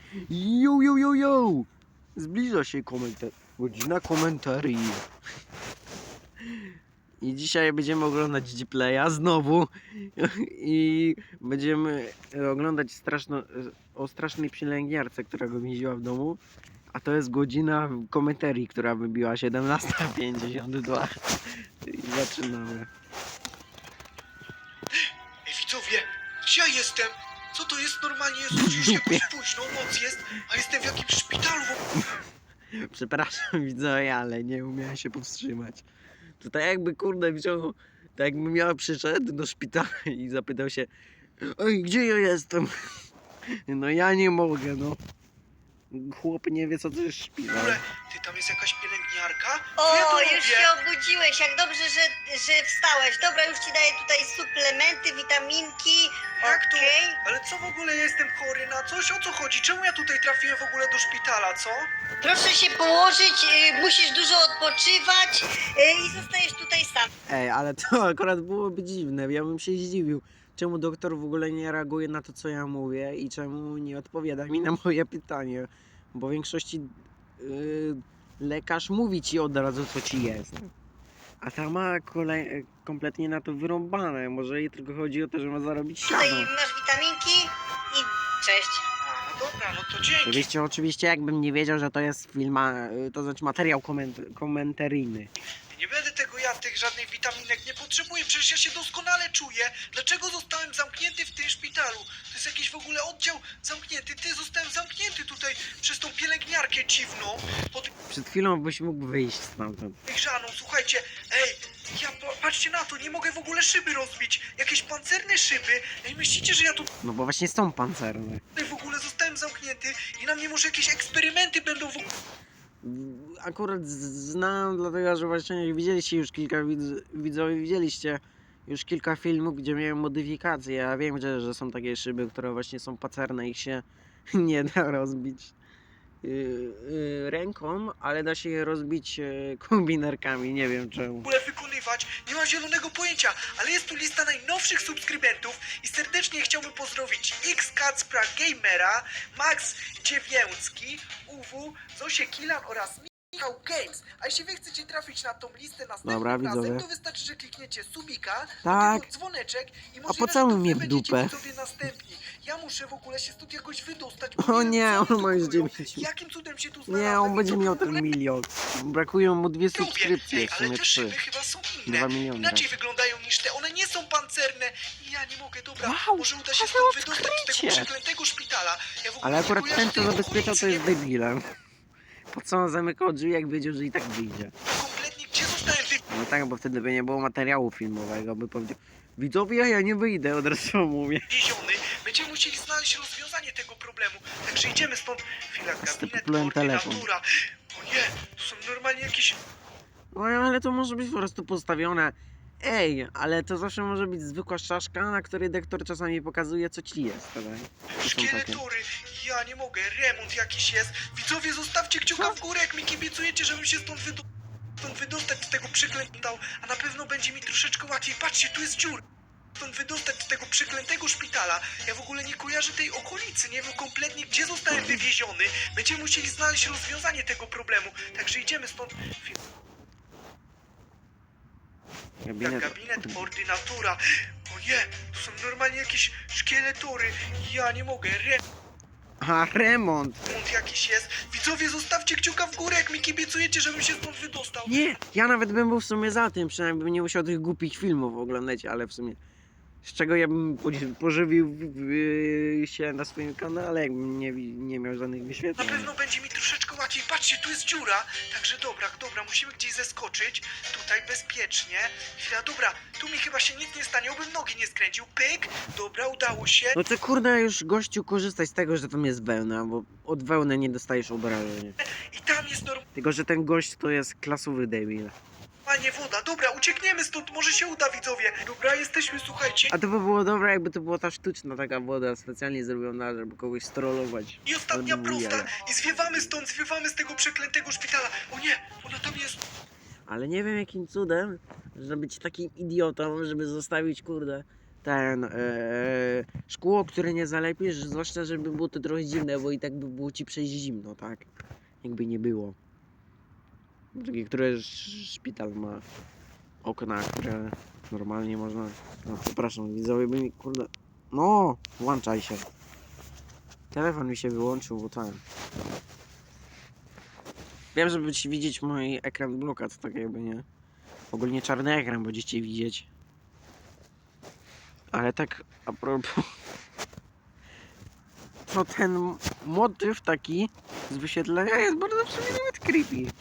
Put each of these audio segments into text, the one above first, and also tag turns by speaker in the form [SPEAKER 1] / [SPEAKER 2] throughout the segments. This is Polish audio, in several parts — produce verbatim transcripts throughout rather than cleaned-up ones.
[SPEAKER 1] Jo, jo, jo, jo! Zbliża się komentarz. Godzina komentarzy. I dzisiaj będziemy oglądać Gplaya znowu. I będziemy oglądać straszno, o strasznej pielęgniarce, która go więziła w domu. A to jest godzina komentarii, która wybiła siedemnasta pięćdziesiąt dwa. I zaczynamy.
[SPEAKER 2] Ej, widzowie, gdzie ja jestem? Co to jest normalnie? Jest już jakoś późno, noc jest, a jestem w jakimś szpitalu.
[SPEAKER 1] Przepraszam widzowie, ale nie umiałem się powstrzymać. To tak jakby kurde wziął, tak jakbym ja przyszedł do szpitala i zapytał się: oj, gdzie ja jestem? No ja nie mogę, no. Chłop nie wie co to jest
[SPEAKER 2] W
[SPEAKER 1] szpital.
[SPEAKER 2] ogóle, ty, tam jest jakaś pielęgniarka?
[SPEAKER 3] O,
[SPEAKER 2] Co ja tu
[SPEAKER 3] już
[SPEAKER 2] robię?
[SPEAKER 3] się obudziłeś, jak dobrze, że, że wstałeś. Dobra, już ci daję tutaj suplementy, witaminki.
[SPEAKER 2] Jak to?
[SPEAKER 3] Okej.
[SPEAKER 2] Ale co w ogóle, ja jestem chory na coś? O co chodzi? Czemu ja tutaj trafiłem w ogóle do szpitala, co?
[SPEAKER 3] Proszę się położyć, y, musisz dużo odpoczywać y, i zostajesz tutaj sam.
[SPEAKER 1] Ej, ale to akurat byłoby dziwne, ja bym się zdziwił. Czemu doktor w ogóle nie reaguje na to, co ja mówię i czemu nie odpowiada mi na moje pytanie? Bo w większości yy, lekarz mówi ci od razu, co ci jest. A ta ma kolej, kompletnie na to wyrąbane. Może jej tylko chodzi o to, że ma zarobić siano.
[SPEAKER 3] Tutaj masz witaminki i cześć.
[SPEAKER 2] A, no dobra, no to dzięki.
[SPEAKER 1] Oczywiście, oczywiście, jakbym nie wiedział, że to jest film, a, to znaczy materiał koment komentaryjny.
[SPEAKER 2] Nie będę tego jadł, tych żadnych witaminek nie potrzebuję, przecież ja się doskonale czuję. Dlaczego zostałem zamknięty w tym szpitalu? To jest jakiś w ogóle oddział zamknięty. Ty, zostałem zamknięty tutaj przez tą pielęgniarkę dziwną. Pod
[SPEAKER 1] Przed chwilą byś mógł wyjść stamtąd.
[SPEAKER 2] Grzaną, słuchajcie, ej, ja pa- patrzcie na to, nie mogę w ogóle szyby rozbić. Jakieś pancerne szyby. Ej, myślicie, że ja tu
[SPEAKER 1] No bo właśnie są pancerne.
[SPEAKER 2] tutaj w ogóle zostałem zamknięty i na mnie może jakieś eksperymenty będą w ogóle.
[SPEAKER 1] Akurat z- znam, dlatego że właśnie widzieliście już kilka widz widzowie, widzieliście już kilka filmów, gdzie miałem modyfikacje. Ja wiem, że, że są takie szyby, które właśnie są pacerne, ich się nie da rozbić yy, yy, ręką, ale da się je rozbić yy, kombinerkami, nie wiem czemu.
[SPEAKER 2] w ogóle wykonywać, nie mam zielonego pojęcia, ale jest tu lista najnowszych subskrybentów i serdecznie chciałbym pozdrowić X Kacpra Gamera, Max Dziewięcki, U W, Zosie Kilan oraz Michał Games. A jeśli wy chcecie trafić na tą listę następnym
[SPEAKER 1] Dobra,
[SPEAKER 2] razem,
[SPEAKER 1] widzowie.
[SPEAKER 2] to wystarczy, że klikniecie subika,
[SPEAKER 1] Tak.
[SPEAKER 2] do dzwoneczek i
[SPEAKER 1] A
[SPEAKER 2] możliwe,
[SPEAKER 1] pocałuj
[SPEAKER 2] że to
[SPEAKER 1] mnie
[SPEAKER 2] wy
[SPEAKER 1] w
[SPEAKER 2] będziecie
[SPEAKER 1] dupę.
[SPEAKER 2] widzowie następni. Ja muszę w ogóle się stąd jakoś wydostać.
[SPEAKER 1] O
[SPEAKER 2] bo wiem,
[SPEAKER 1] nie,
[SPEAKER 2] co
[SPEAKER 1] on
[SPEAKER 2] oni tu
[SPEAKER 1] ma już
[SPEAKER 2] kupują.
[SPEAKER 1] dziewięć.
[SPEAKER 2] Jakim cudem się tu
[SPEAKER 1] Nie,
[SPEAKER 2] znalazłem
[SPEAKER 1] on
[SPEAKER 2] i
[SPEAKER 1] będzie
[SPEAKER 2] co
[SPEAKER 1] miał
[SPEAKER 2] w ogóle
[SPEAKER 1] ten milion. Brakują mu dwie
[SPEAKER 2] robię?
[SPEAKER 1] subskrypcje,
[SPEAKER 2] Ej,
[SPEAKER 1] w
[SPEAKER 2] ale
[SPEAKER 1] sumie
[SPEAKER 2] te
[SPEAKER 1] trzy.
[SPEAKER 2] szyby chyba są inne.
[SPEAKER 1] Dwa miliony.
[SPEAKER 2] Inaczej wyglądają niż te, one nie są pancerne i ja nie mogę, dobra,
[SPEAKER 1] Wow,
[SPEAKER 2] może uda się
[SPEAKER 1] ale
[SPEAKER 2] stąd wydostać z tego
[SPEAKER 1] odkrycie.
[SPEAKER 2] przeklętego szpitala. Ja w ogóle
[SPEAKER 1] Ale
[SPEAKER 2] nie
[SPEAKER 1] akurat
[SPEAKER 2] kojarzę
[SPEAKER 1] ten, co
[SPEAKER 2] tej
[SPEAKER 1] zabezpieczał, to
[SPEAKER 2] okolicy,
[SPEAKER 1] jest debilem. Po co on zamykał drzwi, jak wiedział, że i tak wyjdzie?
[SPEAKER 2] nie wiem kompletnie, gdzie zostałem
[SPEAKER 1] No tak, bo wtedy by nie było materiału filmowego, by powiedział: widzowie, ja nie wyjdę, od razu mówię.
[SPEAKER 2] wywieziony. Będziemy musieli znaleźć rozwiązanie tego problemu. Także idziemy stąd. Chwila, gabinet,
[SPEAKER 1] Stopyłem telefon.
[SPEAKER 2] koordynatura. O nie, to są normalnie jakieś...
[SPEAKER 1] No ale to może być po prostu postawione. Ej, ale to zawsze może być zwykła szaszka, na której doktor czasami pokazuje, co ci jest. Tak? To są takie.
[SPEAKER 2] Szkieletory, ja nie mogę, remont jakiś jest. Widzowie, zostawcie kciuka w górę, jak mi kibicujecie, żebym się stąd, wydo stąd wydostać z tego przeklętał, a na pewno będzie mi troszeczkę łatwiej. Patrzcie, tu jest dziura. Stąd wydostać z tego przeklętego szpitala. Ja w ogóle nie kojarzę tej okolicy, nie wiem kompletnie, gdzie zostałem wywieziony. Będziemy musieli znaleźć rozwiązanie tego problemu. Także idziemy stąd.
[SPEAKER 1] Gabinet.
[SPEAKER 2] Gabinet ordynatura. O nie, to są normalnie jakieś szkieletory. Ja nie mogę, remont.
[SPEAKER 1] A, remont!
[SPEAKER 2] Remont jakiś jest. Widzowie, zostawcie kciuka w górę, jak mi kibicujecie, żebym się stąd wydostał.
[SPEAKER 1] Nie, ja nawet bym był w sumie za tym, przynajmniej bym nie musiał tych głupich filmów oglądać, ale w sumie z czego ja bym podzi- pożywił yy, się na swoim kanale, jakbym nie, wi- nie miał żadnych
[SPEAKER 2] Na
[SPEAKER 1] wyświetleń.
[SPEAKER 2] pewno będzie mi troszeczkę łatwiej. Patrzcie, tu jest dziura. Także dobra, dobra, musimy gdzieś zeskoczyć. Tutaj bezpiecznie. Chwila, dobra, tu mi chyba się nic nie stanie, obym nogi nie skręcił. Pyk, dobra, udało się.
[SPEAKER 1] No to kurde już gościu korzystaj z tego, że tam jest wełna, bo od wełny nie dostajesz obrażeń.
[SPEAKER 2] I tam jest
[SPEAKER 1] Tylko, że ten gość to jest klasowy debil.
[SPEAKER 2] normalnie woda. Dobra, uciekniemy stąd, może się uda, widzowie. Dobra, jesteśmy, słuchajcie.
[SPEAKER 1] A to by było dobre, jakby to była ta sztuczna taka woda specjalnie zrobiona, żeby kogoś strollować.
[SPEAKER 2] I ostatnia
[SPEAKER 1] Albo
[SPEAKER 2] prosta.
[SPEAKER 1] jaja.
[SPEAKER 2] I zwiewamy stąd, zwiewamy z tego przeklętego szpitala. O nie, ona tam jest.
[SPEAKER 1] Ale nie wiem jakim cudem, żeby być takim idiotą, żeby zostawić kurde ten e, szkło, które nie zalepisz, zwłaszcza żeby było to trochę zimne, bo i tak by było ci przejść zimno, tak? Jakby nie było. Takie, które sz- szpital ma okna, które normalnie można... No przepraszam, widzowie by mi kurde... No, włączaj się. Telefon mi się wyłączył, bo ten... Wiem, żeby ci widzieć mój ekran blokad, tak jakby nie. Ogólnie czarny ekran będziecie widzieć. Ale tak a propos... To ten motyw taki z wyświetlenia jest bardzo w sumie nawet creepy.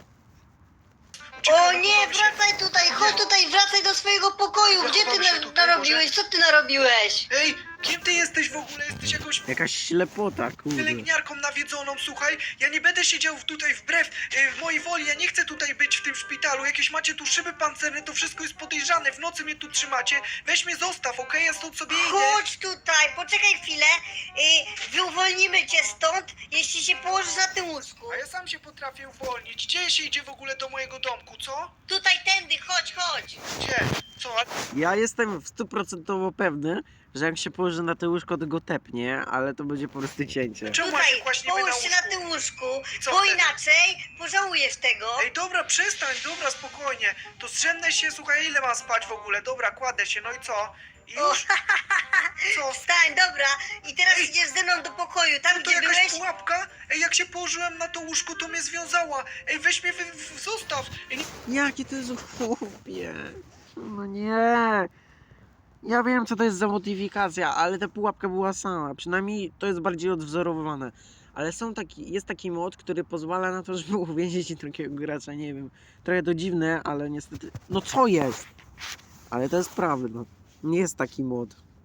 [SPEAKER 3] O nie, wracaj tutaj, chodź tutaj, wracaj do swojego pokoju. Gdzie ty
[SPEAKER 2] Zachowamy się
[SPEAKER 3] na,
[SPEAKER 2] tutaj,
[SPEAKER 3] narobiłeś? Co ty narobiłeś?
[SPEAKER 2] Ej, kim ty jesteś w ogóle? Jesteś jakąś
[SPEAKER 1] Jakaś ślepota, kurde.
[SPEAKER 2] pielęgniarką nawiedzoną, słuchaj. Ja nie będę siedział tutaj wbrew e, w mojej woli, ja nie chcę tutaj być w tym szpitalu. Jakieś macie tu szyby pancerne, to wszystko jest podejrzane. W nocy mnie tu trzymacie. Weź mnie zostaw, okej? Ja stąd sobie idę.
[SPEAKER 3] Chodź tutaj, poczekaj chwilę. Y, wyuwolnimy cię stąd, jeśli się położysz na tym łóżku.
[SPEAKER 2] A ja sam się potrafię uwolnić. Gdzie się idzie w ogóle do mojego domku, co?
[SPEAKER 3] Tutaj tędy, chodź, chodź.
[SPEAKER 2] Gdzie? Co? A
[SPEAKER 1] Ja jestem stuprocentowo pewny, że jak się położy na to łóżko, to go tepnie, ale to będzie po prostu cięcie.
[SPEAKER 2] czemu ja się
[SPEAKER 3] Tutaj,
[SPEAKER 2] kłaść niby na
[SPEAKER 3] połóż się na
[SPEAKER 2] łóżku?
[SPEAKER 3] tym łóżku,
[SPEAKER 2] I co
[SPEAKER 3] bo
[SPEAKER 2] wtedy?
[SPEAKER 3] inaczej pożałujesz tego.
[SPEAKER 2] Ej, dobra, przestań, dobra, spokojnie. To zrzemnę się, słuchaj, ile mam spać w ogóle? Dobra, kładę się, no i co? I
[SPEAKER 3] O,
[SPEAKER 2] już? Co?
[SPEAKER 3] Wstań, dobra. I teraz
[SPEAKER 2] Ej.
[SPEAKER 3] idziesz ze mną do pokoju, tam
[SPEAKER 2] To
[SPEAKER 3] gdzie
[SPEAKER 2] jakaś
[SPEAKER 3] byłeś.
[SPEAKER 2] pułapka? Ej, jak się położyłem na to łóżko, to mnie związała. Ej, weź mnie, wy, w, zostaw. Ej, nie...
[SPEAKER 1] Jakie to jest głupie. No nie. Ja wiem, co to jest za modyfikacja, ale ta pułapka była sama. Przynajmniej to jest bardziej odwzorowane. Ale są taki, jest taki mod, który pozwala na to, żeby uwięzić drugiego gracza. Nie wiem. Trochę to dziwne, ale niestety... No co jest? Ale to jest prawda. Nie jest taki mod.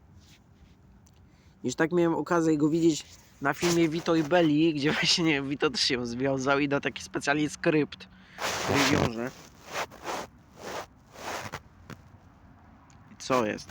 [SPEAKER 1] Już tak miałem okazję go widzieć na filmie Vito i Belli, gdzie właśnie Vito też się związał i da taki specjalnie skrypt, który wiąże. I co jest?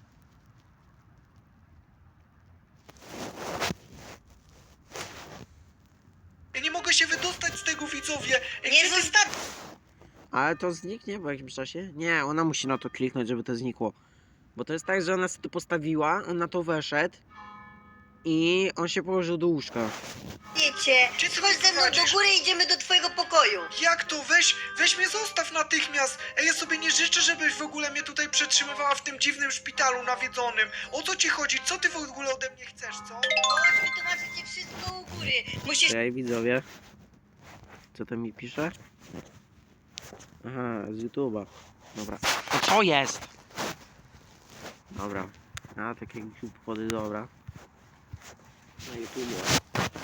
[SPEAKER 2] Ja nie mogę się wydostać z tego, widzowie. Ej,
[SPEAKER 3] Nie
[SPEAKER 2] gdzie ty-
[SPEAKER 3] zostaw.
[SPEAKER 1] Ale to zniknie po jakimś czasie? Nie, ona musi na to kliknąć, żeby to znikło. Bo to jest tak, że ona sobie to postawiła, on na to weszedł i on się położył do łóżka.
[SPEAKER 3] Wiecie,
[SPEAKER 2] Gdzie ty
[SPEAKER 3] chodź
[SPEAKER 2] mnie
[SPEAKER 3] ze mną do
[SPEAKER 2] prowadzisz?
[SPEAKER 3] góry i idziemy do twojego pokoju.
[SPEAKER 2] Jak to? Weź, weź mnie zostaw natychmiast. Ej, ja sobie nie życzę, żebyś w ogóle mnie tutaj przetrzymywała w tym dziwnym szpitalu nawiedzonym. O co ci chodzi? Co ty w ogóle ode mnie chcesz, co?
[SPEAKER 3] Chodź, wytłumaczę ci wszystko u góry. Musisz...
[SPEAKER 1] Cześć widzowie. Co tam mi pisze? Aha, z YouTube'a. Dobra. To co jest? Dobra. A, takie głupody, dobra. Na YouTubie.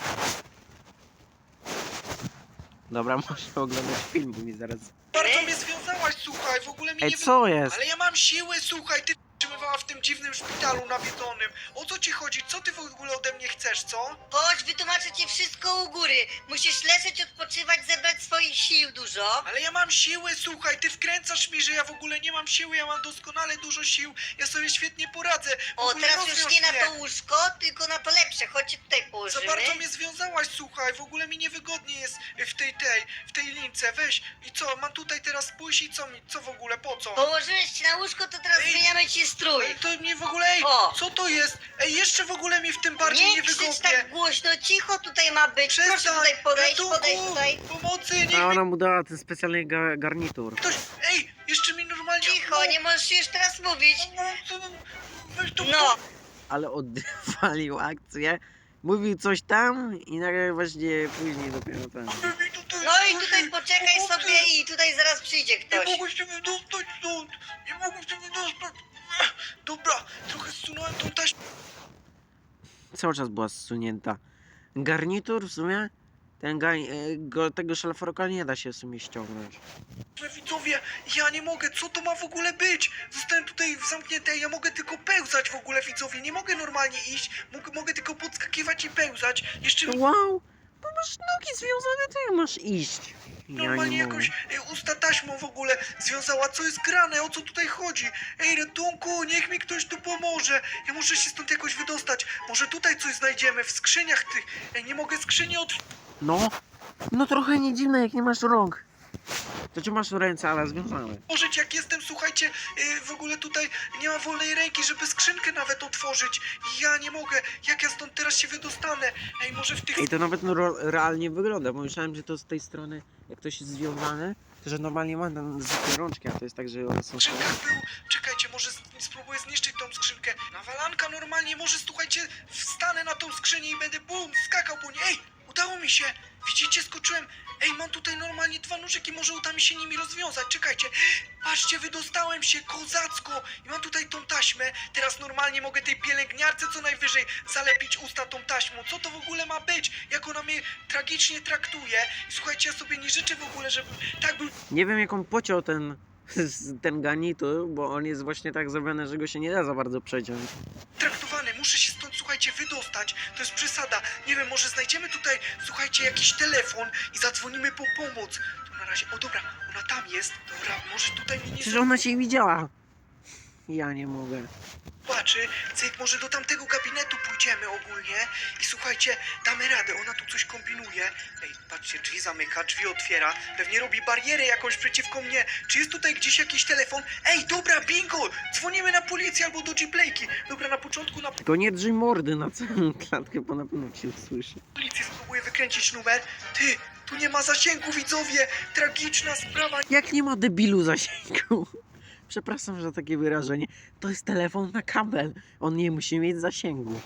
[SPEAKER 1] Dobra, muszę oglądać film, bo mi zaraz...
[SPEAKER 2] Bardzo mnie związałaś, słuchaj, w ogóle mi
[SPEAKER 1] Ej,
[SPEAKER 2] nie... wy-
[SPEAKER 1] co jest?
[SPEAKER 2] Ale ja mam siły, słuchaj, ty trzymywała w tym dziwnym szpitalu nawiedzonym. O co ci chodzi? Co ty w ogóle ode mnie chcesz, co?
[SPEAKER 3] Chodź, wytłumaczę ci wszystko u góry. Musisz leżeć, odpoczywać, zebrać swoich sił dużo.
[SPEAKER 2] Ale ja mam siły, słuchaj, ty wkręcasz mi, że ja w ogóle nie mam siły, ja mam doskonale dużo sił, ja sobie świetnie poradzę. W
[SPEAKER 3] O,
[SPEAKER 2] ogóle
[SPEAKER 3] teraz już
[SPEAKER 2] rozwiąż
[SPEAKER 3] nie na
[SPEAKER 2] mnie.
[SPEAKER 3] to łóżko, tylko na to lepsze. Chodźcie tutaj
[SPEAKER 2] Za
[SPEAKER 3] położymy.
[SPEAKER 2] bardzo mnie związałaś, słuchaj, w ogóle mi niewygodnie jest w tej tej, w tej lince, weź. I co, mam tutaj teraz pójść i co mi, co w ogóle, po co?
[SPEAKER 3] Położyłeś się na łóżko, to teraz
[SPEAKER 2] Ej.
[SPEAKER 3] zmieniamy ci strój.
[SPEAKER 2] Ej, to mnie w ogóle, ej,
[SPEAKER 3] O.
[SPEAKER 2] co to jest? Ej, jeszcze w ogóle mi w tym bardziej
[SPEAKER 3] Nie krzycz
[SPEAKER 2] niewygodnie.
[SPEAKER 3] tak głośno, cicho tutaj ma być. Proszę
[SPEAKER 2] Przestań,
[SPEAKER 3] tutaj podejść,
[SPEAKER 2] ratunku,
[SPEAKER 3] podejść tutaj.
[SPEAKER 2] pomocy, niech
[SPEAKER 1] A
[SPEAKER 2] mi
[SPEAKER 1] ona mu dała ten specjalny ga garnitur.
[SPEAKER 2] ktoś, ej, jeszcze mi normalnie...
[SPEAKER 3] Cicho, nie możesz już teraz mówić.
[SPEAKER 2] Weź to
[SPEAKER 3] No,
[SPEAKER 1] Ale odwalił akcję. Mówił coś tam i nagle właśnie później dopiero ten.
[SPEAKER 3] no i tutaj poczekaj sobie i tutaj zaraz przyjdzie
[SPEAKER 2] Nie
[SPEAKER 3] ktoś.
[SPEAKER 2] mogę się wydostać stąd! Nie mogę się wydostać! Dobra, trochę zsunąłem tą taśmę.
[SPEAKER 1] Cały czas była zsunięta. Garnitur w sumie? Ten ga, e, go, tego szlafroka nie da się w sumie ściągnąć.
[SPEAKER 2] Widzowie, ja nie mogę, co to ma w ogóle być? Zostałem tutaj zamknięty, ja mogę tylko pełzać w ogóle, widzowie, nie mogę normalnie iść, mogę, mogę tylko podskakiwać i pełzać. Jeszcze mi
[SPEAKER 1] Wow! Bo masz nogi związane, to jak masz iść? Ja
[SPEAKER 2] normalnie
[SPEAKER 1] nie mogę.
[SPEAKER 2] jakoś e, usta taśmą w ogóle związała, co jest grane, o co tutaj chodzi? Ej, ratunku, niech mi ktoś tu pomoże, ja muszę się stąd jakoś wydostać, może tutaj coś znajdziemy, w skrzyniach tych, ej, nie mogę skrzyni otworzyć.
[SPEAKER 1] No, no trochę nie dziwne jak nie masz rąk. To czy masz ręce, ale związane.
[SPEAKER 2] Otworzyć, jak jestem słuchajcie, yy, w ogóle tutaj nie ma wolnej ręki, żeby skrzynkę nawet otworzyć. Ja nie mogę, jak ja stąd teraz się wydostanę? Ej, może w tych
[SPEAKER 1] Ej, to nawet no, ro- realnie wygląda, bo myślałem, że to z tej strony, jak to jest związane, to że normalnie ma tam zwykłe rączki, a to jest tak, że one są...
[SPEAKER 2] skrzynkach był... Czekajcie, może z... spróbuję zniszczyć tą skrzynkę. Nawalanka normalnie, może słuchajcie, wstanę na tą skrzynię i będę bum, skakał po niej. Ej, udało mi się. Widzicie, skoczyłem. Ej, mam tutaj normalnie dwa nóżki, może uda mi się nimi rozwiązać. Czekajcie, patrzcie, wydostałem się kozacko i mam tutaj tą taśmę. Teraz normalnie mogę tej pielęgniarce co najwyżej zalepić usta tą taśmą. Co to w ogóle ma być? Jak ona mnie tragicznie traktuje. I słuchajcie, ja sobie nie życzę w ogóle, żeby tak był
[SPEAKER 1] Nie wiem, jak on pociął ten, ten garnitur, bo on jest właśnie tak zrobiony, że go się nie da za bardzo przeciąć.
[SPEAKER 2] traktowany. Muszę się stąd, słuchajcie, wydostać. To jest przesada. Nie wiem, może znajdziemy tutaj, słuchajcie, jakiś telefon i zadzwonimy po pomoc. To na razie, o dobra, ona tam jest. Dobra, może tutaj mnie nie
[SPEAKER 1] Przecież ona się widziała. Ja nie mogę.
[SPEAKER 2] zobaczy. Cyk, może do tamtego gabinetu pójdziemy ogólnie i słuchajcie, damy radę. Ona tu coś kombinuje. Ej, patrzcie, drzwi zamyka, drzwi otwiera. Pewnie robi barierę jakąś przeciwko mnie. Czy jest tutaj gdzieś jakiś telefon? Ej, dobra, bingo! Dzwonimy na policję albo do G-Playki. Dobra, na początku na
[SPEAKER 1] Tylko nie drzyj mordy na całą klatkę, bo na pewno się usłyszy.
[SPEAKER 2] policję spróbuję wykręcić numer. Ty, tu nie ma zasięgu, widzowie! Tragiczna sprawa.
[SPEAKER 1] Jak nie ma debilu zasięgu? Przepraszam za takie wyrażenie. To jest telefon na kabel. On nie musi mieć zasięgu.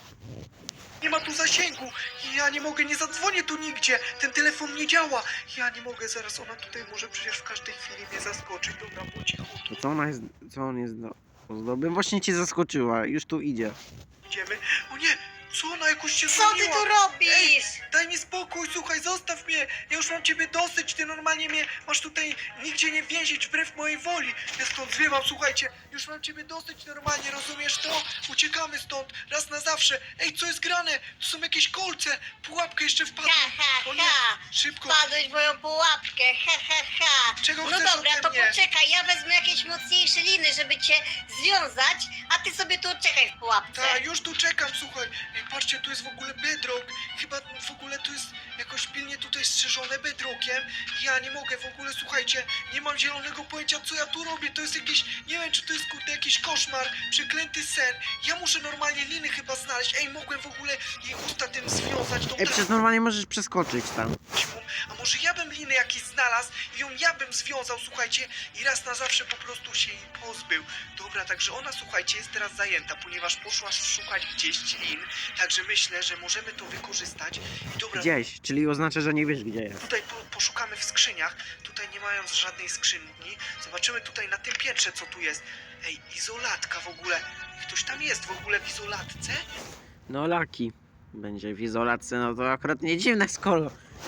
[SPEAKER 2] Nie ma tu zasięgu. Ja nie mogę, nie zadzwonię tu nigdzie. Ten telefon nie działa. Ja nie mogę, zaraz ona tutaj może przecież w każdej chwili mnie zaskoczyć. Dobra, po cichu
[SPEAKER 1] To co ona jest, co on jest do ozdoby? Właśnie cię zaskoczyła, już tu idzie.
[SPEAKER 2] idziemy. O nie, co ona jakoś się
[SPEAKER 3] Co ty
[SPEAKER 2] zmieniła?
[SPEAKER 3] tu robisz?
[SPEAKER 2] Daj mi spokój, słuchaj, zostaw mnie. Ja już mam ciebie dosyć, ty normalnie mnie masz tutaj nigdzie nie więzić wbrew mojej woli. Ja stąd zwiewam, słuchajcie, już mam ciebie dosyć normalnie, rozumiesz to? Uciekamy stąd, raz na zawsze. Ej, co jest grane? Tu są jakieś kolce, pułapkę jeszcze wpadłem.
[SPEAKER 3] Ha, ha,
[SPEAKER 2] O nie,
[SPEAKER 3] ha.
[SPEAKER 2] szybko.
[SPEAKER 3] Wpadłeś w moją pułapkę, ha, ha, ha.
[SPEAKER 2] Czego
[SPEAKER 3] No
[SPEAKER 2] chcesz
[SPEAKER 3] dobra,
[SPEAKER 2] ode
[SPEAKER 3] to
[SPEAKER 2] mnie?
[SPEAKER 3] poczekaj, ja wezmę jakieś mocniejsze liny, żeby cię związać, a ty sobie tu czekaj w pułapce.
[SPEAKER 2] Tak, już tu czekam, słuchaj. Ej, patrzcie, tu jest w ogóle bedrock. Chyba w ogóle tu jest jakoś pilnie tutaj strzeżone bedrockiem. Ja nie mogę w ogóle, słuchajcie, nie mam zielonego pojęcia, co ja tu robię. To jest jakieś, nie wiem, czy to jest kurde jakiś koszmar, przeklęty sen. Ja muszę normalnie liny chyba znaleźć. Ej, mogłem w ogóle jej usta tym związać, tą
[SPEAKER 1] Ej, przecież normalnie możesz przeskoczyć tam.
[SPEAKER 2] taśmą. A może ja bym liny jakieś znalazł i ją ja bym związał, słuchajcie, i raz na zawsze po prostu się jej pozbył. Dobra, także ona, słuchajcie, jest teraz zajęta, ponieważ poszła szukać gdzieś lin, także myślę, że możemy to wykorzystać. I dobra,
[SPEAKER 1] Gdzieś, czyli oznacza, że nie wiesz gdzie jest.
[SPEAKER 2] tutaj po, poszukamy w skrzyniach, tutaj nie mając żadnej skrzynki, zobaczymy tutaj na tym piętrze, co tu jest. Ej, izolatka w ogóle, ktoś tam jest w ogóle w izolatce?
[SPEAKER 1] No Laki będzie w izolacji, no to akurat nie dziwne, skoro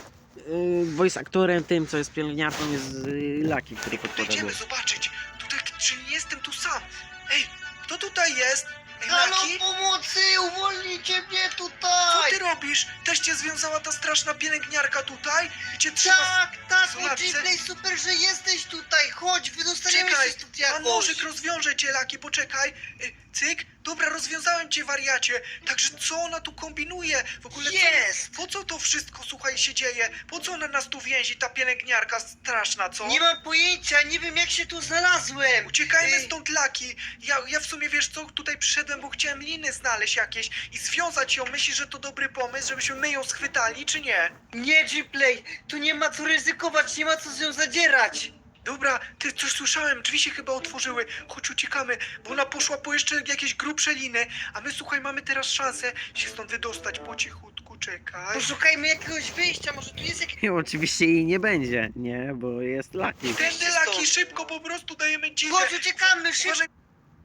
[SPEAKER 1] yy, voice aktorem tym, co jest pielęgniarką, jest yy, Laki, który podpowiada.
[SPEAKER 2] Podejdziemy zobaczyć, tutaj, czy nie jestem tu sam? Ej, kto tutaj jest? Ej,
[SPEAKER 3] Halo,
[SPEAKER 2] Laki?
[SPEAKER 3] pomocy, uwolnijcie mnie
[SPEAKER 2] Co
[SPEAKER 3] tutaj!
[SPEAKER 2] ty robisz? Też cię związała ta straszna pielęgniarka tutaj? I cię trzyma...
[SPEAKER 3] Tak, tak,
[SPEAKER 2] Zobaczcie.
[SPEAKER 3] G-Play, super, że jesteś tutaj, chodź, wydostaniemy
[SPEAKER 2] Czekaj,
[SPEAKER 3] się stąd
[SPEAKER 2] pan
[SPEAKER 3] jakoś.
[SPEAKER 2] nożyk rozwiąże cię, Laki, poczekaj. Y, Cyk, dobra, rozwiązałem cię, wariacie. Także co ona tu kombinuje? W ogóle co-
[SPEAKER 3] Jest!
[SPEAKER 2] Po co to wszystko, słuchaj, się dzieje? Po co ona nas tu więzi, ta pielęgniarka straszna, co?
[SPEAKER 3] Nie mam pojęcia, nie wiem jak się tu znalazłem.
[SPEAKER 2] Uciekajmy
[SPEAKER 3] Ej.
[SPEAKER 2] stąd, Laki. Ja, ja w sumie, wiesz co, tutaj przyszedłem, bo chciałem liny znaleźć jakieś i związać ją. Myślisz, że to dobry pomysł, żebyśmy my ją schwytali, czy nie?
[SPEAKER 3] Nie, G-Play, tu nie ma co ryzykować, nie ma co z nią zadzierać.
[SPEAKER 2] Dobra, ty coś słyszałem, drzwi się chyba otworzyły. Chodź, uciekamy, bo ona poszła po jeszcze jakieś grubsze liny, a my, słuchaj, mamy teraz szansę się stąd wydostać po cichutku, czekaj.
[SPEAKER 3] Poszukajmy jakiegoś wyjścia, może tu jest jakieś...
[SPEAKER 1] I oczywiście jej nie będzie, nie, bo jest Laki.
[SPEAKER 2] Tędy, Laki, szybko, po prostu dajemy dzidę.
[SPEAKER 3] Chodź, uciekamy, szybko.
[SPEAKER 2] Uważaj,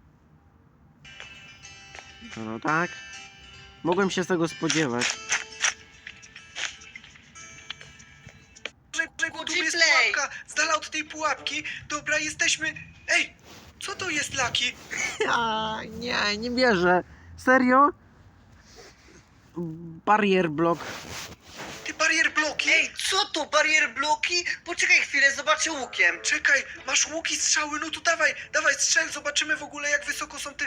[SPEAKER 1] No tak. Mogłem się z tego spodziewać.
[SPEAKER 2] uważaj, bo tu jest
[SPEAKER 3] G-Play.
[SPEAKER 2] pułapka, z dala od tej pułapki. Dobra, jesteśmy... Ej, co to jest, Laki?
[SPEAKER 1] A, nie, nie wierzę. Serio? Barrier block.
[SPEAKER 2] Ty barier bloki?
[SPEAKER 3] Ej, co to, barier bloki? Poczekaj chwilę, zobaczę łukiem.
[SPEAKER 2] Czekaj, masz łuki, strzały, no to dawaj, dawaj, strzel, zobaczymy w ogóle jak wysoko są te...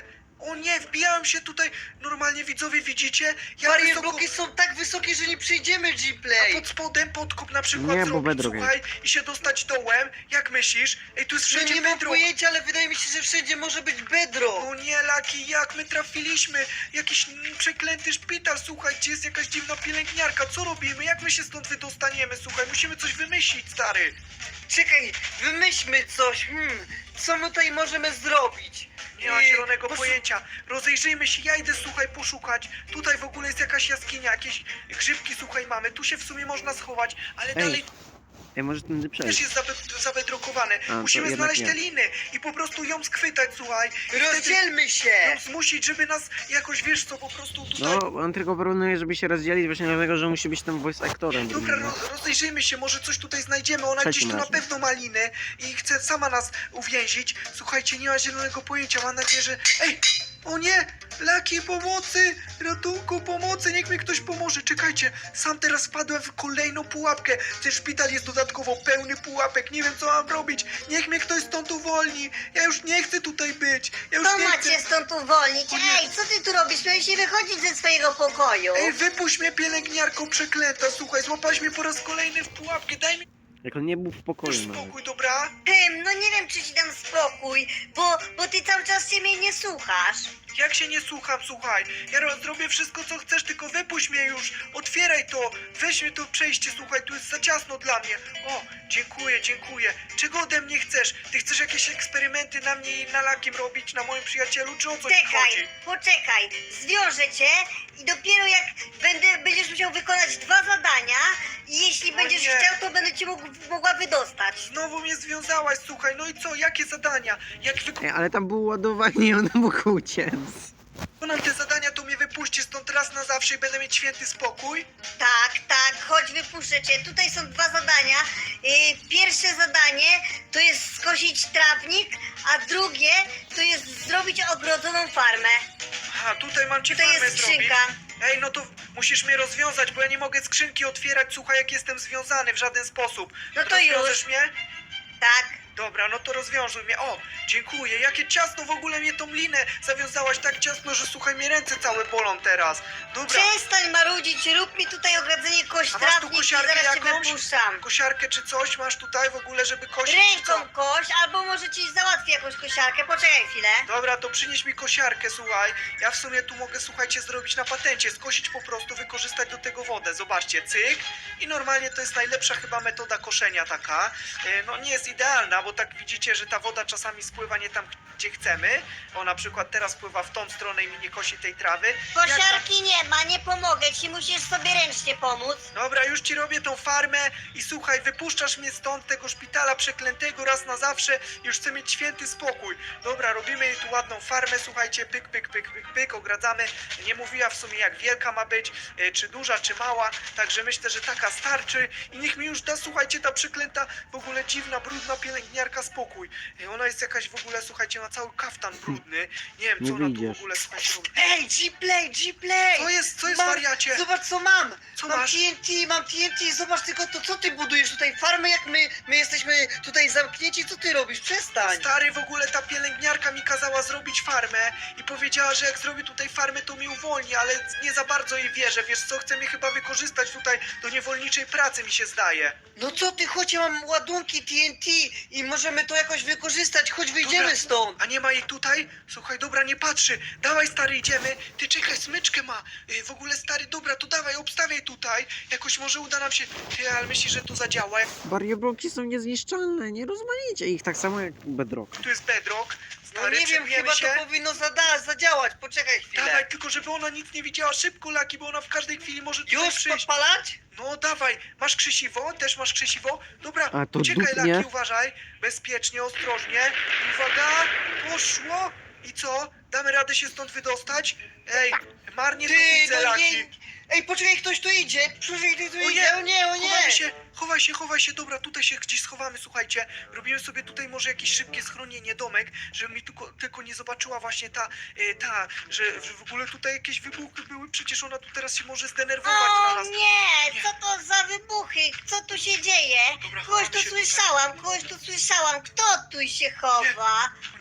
[SPEAKER 2] O nie, wbijałem się tutaj, normalnie widzowie widzicie? Ja
[SPEAKER 4] Barrier
[SPEAKER 2] wysoko...
[SPEAKER 4] bloki są tak wysokie, że nie przejdziemy
[SPEAKER 2] A
[SPEAKER 4] G-Play.
[SPEAKER 2] pod spodem podkop na przykład
[SPEAKER 1] Nie, bo
[SPEAKER 2] zrobić,
[SPEAKER 1] bedrock
[SPEAKER 2] słuchaj, i się dostać dołem. Jak myślisz? Ej, tu jest
[SPEAKER 4] No
[SPEAKER 2] wszędzie
[SPEAKER 4] nie mam
[SPEAKER 2] bedrock.
[SPEAKER 4] pojęcia, ale wydaje mi się, że wszędzie może być bedrock.
[SPEAKER 2] No nie, Laki, jak my trafiliśmy? Jakiś mm, przeklęty szpital, słuchaj, gdzie jest jakaś dziwna pielęgniarka. Co robimy? Jak my się stąd wydostaniemy? Słuchaj, musimy coś wymyślić, stary.
[SPEAKER 4] Czekaj, wymyślmy coś. Hmm, co my tutaj możemy zrobić?
[SPEAKER 2] Nie ma
[SPEAKER 4] Yy,
[SPEAKER 2] zielonego
[SPEAKER 4] poszu-
[SPEAKER 2] pojęcia. Rozejrzyjmy się, ja idę, słuchaj, poszukać. Tutaj w ogóle jest jakaś jaskinia, jakieś grzybki, słuchaj, mamy. Tu się w sumie można schować, ale
[SPEAKER 1] Ej,
[SPEAKER 2] dalej
[SPEAKER 1] Ej, może tędy
[SPEAKER 2] też
[SPEAKER 1] przejść.
[SPEAKER 2] jest zabe- zabedrokowane.
[SPEAKER 1] to
[SPEAKER 2] Musimy
[SPEAKER 1] jednak
[SPEAKER 2] znaleźć
[SPEAKER 1] nie.
[SPEAKER 2] te liny i po prostu ją schwytać, słuchaj. I wtedy
[SPEAKER 4] Rozdzielmy się.
[SPEAKER 2] ją zmusić, żeby nas jakoś, wiesz co, po prostu tutaj...
[SPEAKER 1] No, on tylko proponuje, żeby się rozdzielić właśnie dlatego, że musi być tam voice aktorem.
[SPEAKER 2] Dobra,
[SPEAKER 1] No.
[SPEAKER 2] ro- rozejrzyjmy się, może coś tutaj znajdziemy. Ona
[SPEAKER 1] Trzecim
[SPEAKER 2] gdzieś tu na
[SPEAKER 1] razem.
[SPEAKER 2] pewno ma liny i chce sama nas uwięzić. Słuchajcie, nie ma zielonego pojęcia, mam nadzieję, że... Ej! O nie! Laki, pomocy! Ratunku, pomocy! Niech mi ktoś pomoże! Czekajcie, sam teraz wpadłem w kolejną pułapkę. Ten szpital jest dodatkowo pełny pułapek. Nie wiem, co mam robić. Niech mnie ktoś stąd uwolni. Ja już nie chcę tutaj być. Ja już
[SPEAKER 3] To
[SPEAKER 2] nie chcę.
[SPEAKER 3] macie stąd uwolnić.
[SPEAKER 2] O nie.
[SPEAKER 3] Ej, co ty tu robisz? Miałeś nie wychodzić ze swojego pokoju.
[SPEAKER 2] Ej, wypuść mnie, pielęgniarko przeklęta. Słuchaj, złapałaś mnie po raz kolejny w pułapkę. Daj mi
[SPEAKER 1] Jak on nie był w
[SPEAKER 2] już
[SPEAKER 1] pokoju nawet.
[SPEAKER 2] spokój, dobra?
[SPEAKER 3] Tym, no nie wiem, czy ci dam spokój, bo, bo ty cały czas się mnie nie słuchasz.
[SPEAKER 2] Jak się nie słucham, słuchaj. Ja ro- zrobię wszystko, co chcesz, tylko wypuść mnie już. Otwieraj to. Weź mnie to przejście, słuchaj, tu jest za ciasno dla mnie. O, dziękuję, dziękuję. Czego ode mnie chcesz? Ty chcesz jakieś eksperymenty na mnie i na Lakim robić, na moim przyjacielu, czy o co ci chodzi?
[SPEAKER 3] Czekaj, poczekaj, zwiążę cię i dopiero jak będę, będziesz musiał wykonać dwa zadania i jeśli
[SPEAKER 2] O
[SPEAKER 3] będziesz
[SPEAKER 2] nie.
[SPEAKER 3] chciał, to będę cię mógł, mogła wydostać.
[SPEAKER 2] Znowu mnie związałaś, słuchaj, no i co? Jakie zadania? Jak
[SPEAKER 1] Ej, ale tam było ładowanie i on mógł uciec.
[SPEAKER 2] wykonam te zadania, to mnie wypuścisz stąd raz na zawsze i będę mieć święty spokój?
[SPEAKER 3] Tak, tak, chodź wypuszczę cię. Tutaj są dwa zadania. Yy, pierwsze zadanie to jest skosić trawnik, a drugie to jest zrobić ogrodzoną farmę.
[SPEAKER 2] Aha, tutaj mam ci
[SPEAKER 3] Tutaj
[SPEAKER 2] farmę
[SPEAKER 3] jest
[SPEAKER 2] zrobić.
[SPEAKER 3] skrzynka.
[SPEAKER 2] Ej, no to musisz mnie rozwiązać, bo ja nie mogę skrzynki otwierać, słuchaj, jak jestem związany w żaden sposób.
[SPEAKER 3] No to już.
[SPEAKER 2] Rozwiążesz mnie?
[SPEAKER 3] Tak.
[SPEAKER 2] Dobra, no to rozwiążuj mnie. O, dziękuję. Jakie ciasno w ogóle mnie tą linę zawiązałaś tak ciasno, że słuchaj, mnie ręce całe bolą teraz. Dobra,
[SPEAKER 3] Przestań marudzić, rób mi tutaj ogrodzenie kość
[SPEAKER 2] A masz tu
[SPEAKER 3] trawnik i
[SPEAKER 2] kosiarkę
[SPEAKER 3] zaraz cię
[SPEAKER 2] jakąś?
[SPEAKER 3] wypuszczam.
[SPEAKER 2] kosiarkę czy coś masz tutaj w ogóle, żeby kosić, czy co?
[SPEAKER 3] Ręką kość, albo może ci załatwię jakąś kosiarkę. Poczekaj chwilę.
[SPEAKER 2] Dobra, to przynieś mi kosiarkę, słuchaj. Ja w sumie tu mogę, słuchajcie, zrobić na patencie. Skosić po prostu, wykorzystać do tego wodę. Zobaczcie, cyk. I normalnie to jest najlepsza chyba metoda koszenia taka. E, No nie jest idealna, bo tak widzicie, że ta woda czasami spływa nie tam, gdzie chcemy. O, na przykład teraz pływa w tą stronę i mi nie kosi tej trawy. Jak tam-
[SPEAKER 3] Kosiarki nie ma, nie pomogę ci, musisz sobie ręcznie pomóc.
[SPEAKER 2] Dobra, już ci robię tą farmę i słuchaj, wypuszczasz mnie stąd, tego szpitala przeklętego raz na zawsze. Już chcę mieć święty spokój. Dobra, robimy jej tu ładną farmę, słuchajcie, pyk, pyk, pyk, pyk, pyk, ogradzamy. Nie mówiła w sumie jak wielka ma być, e, czy duża, czy mała, także myślę, że taka starczy. I niech mi już da, słuchajcie, ta przeklęta, w ogóle dziwna, brudna pielęgniarka spokój. E, Ona jest jakaś w ogóle, słuchajcie, ma cały kaftan brudny. Nie wiem, co
[SPEAKER 1] Nie
[SPEAKER 2] ona tu w
[SPEAKER 1] wyjdziesz.
[SPEAKER 2] ogóle, słuchajcie, robi.
[SPEAKER 4] Ej, G-Play, G-Play.
[SPEAKER 2] Co jest, co jest,
[SPEAKER 4] Mam-
[SPEAKER 2] wariacie?
[SPEAKER 4] Zobacz co mam!
[SPEAKER 2] Co
[SPEAKER 4] mam
[SPEAKER 2] masz?
[SPEAKER 4] T N T, mam T N T, zobacz tylko to, co ty budujesz tutaj, farmę jak my, my jesteśmy tutaj zamknięci, co ty robisz? Przestań!
[SPEAKER 2] Stary, w ogóle ta pielęgniarka mi kazała zrobić farmę i powiedziała, że jak zrobi tutaj farmę, to mi uwolni, ale nie za bardzo jej wierzę. Wiesz co, chce mnie chyba wykorzystać tutaj do niewolniczej pracy, mi się zdaje.
[SPEAKER 4] No co ty, chodź, ja mam ładunki T N T i możemy to jakoś wykorzystać, chodź wyjdziemy
[SPEAKER 2] Dobra.
[SPEAKER 4] stąd!
[SPEAKER 2] A nie ma jej tutaj? Słuchaj, dobra, nie patrzy. Dawaj, stary, idziemy. Ty czekaj, smyczkę ma. Y, W ogóle, stary, dobra, to dawaj, obstawiaj tutaj. Jakoś może uda nam się... Ty, ale myślisz, że to zadziała? Jak
[SPEAKER 1] Barrier bloki są niezniszczalne, nie rozmaicie ich tak samo jak bedrock.
[SPEAKER 2] tu jest bedrock,
[SPEAKER 4] No
[SPEAKER 2] stary,
[SPEAKER 4] nie wiem,
[SPEAKER 2] przebijemy
[SPEAKER 4] chyba
[SPEAKER 2] się.
[SPEAKER 4] to powinno zada zadziałać, poczekaj chwilę.
[SPEAKER 2] Dawaj, tylko żeby ona nic nie widziała. Szybko, Laki, bo ona w każdej chwili może tutaj
[SPEAKER 4] Już
[SPEAKER 2] przyjść.
[SPEAKER 4] podpalać?
[SPEAKER 2] No dawaj, masz krzesiwo? Też masz krzesiwo? Dobra,
[SPEAKER 1] A, to
[SPEAKER 2] uciekaj,
[SPEAKER 1] dupnie.
[SPEAKER 2] Laki, uważaj. Bezpiecznie, ostrożnie. Uwaga, poszło. I co? Damy radę się stąd wydostać? Ej, marnie to
[SPEAKER 4] Ty,
[SPEAKER 2] widzę,
[SPEAKER 4] no
[SPEAKER 2] Laki.
[SPEAKER 4] nie... Ej, poczekaj, ktoś tu idzie! Poczekaj, ktoś tu
[SPEAKER 2] O nie,
[SPEAKER 4] idzie! O nie, o nie!
[SPEAKER 2] Chowamy się, chowaj się, chowaj się, dobra, tutaj się gdzieś schowamy, słuchajcie. Robimy sobie tutaj może jakieś szybkie schronienie, domek, żeby mi tylko, tylko nie zobaczyła właśnie ta, e, ta, że, że w ogóle tutaj jakieś wybuchy były, przecież ona tu teraz się może zdenerwować na
[SPEAKER 3] O
[SPEAKER 2] nas.
[SPEAKER 3] nie, co to za wybuchy? Co tu się dzieje?
[SPEAKER 2] Dobra,
[SPEAKER 3] Kogoś
[SPEAKER 2] chowamy
[SPEAKER 3] tu
[SPEAKER 2] się tutaj.
[SPEAKER 3] słyszałam, kogoś tu słyszałam. Kto tu się chowa?
[SPEAKER 2] O